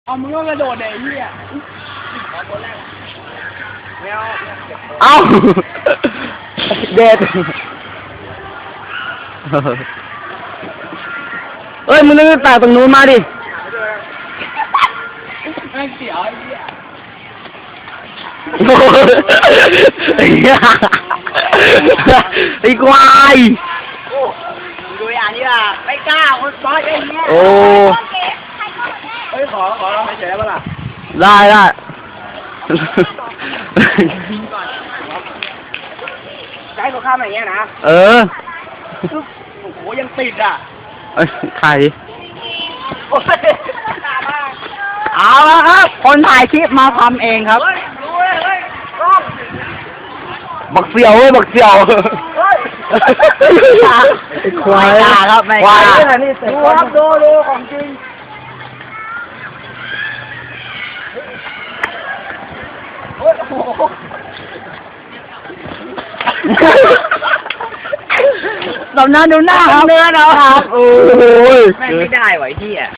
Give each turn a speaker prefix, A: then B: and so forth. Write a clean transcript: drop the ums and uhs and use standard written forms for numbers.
A: เอามึงก็กระโดดเดี๋ยวไอ้เหี้ย
B: เอ้าเด็ดเอ้ยมึงนึกตากตรงนู้นมาดิ
A: แม่งเสียวไอ้เหี้ย
B: โอ้ยไอ้ควาย
A: ดูอย่างนี้ล่ะไม่กล้าคนซ้อยไอ้เหี้ย
B: โอ้
A: เฮ้ยขอเราเฉยๆป่ะล่ะ
B: ได้
A: จะให้เขาข้ามอย่างเงี้ยนะ
B: เออ
A: โอ้โหยังติดอ่ะ
B: ใคร
A: เอา
B: เอาละครับคนถ่ายคลิปมาทำเองครับ
A: ดูเฮ้ยกล้อง
B: บักเสี่ยวเว้ยบักเสี่ยวควายครับไม่ควาย
A: ดูครับดูของจริงโอ้โห
B: ตำนานดูหน้าครับเนื้อเราครับโอ้ย
A: แม่งไม่ได้ไหวที่อ่ะ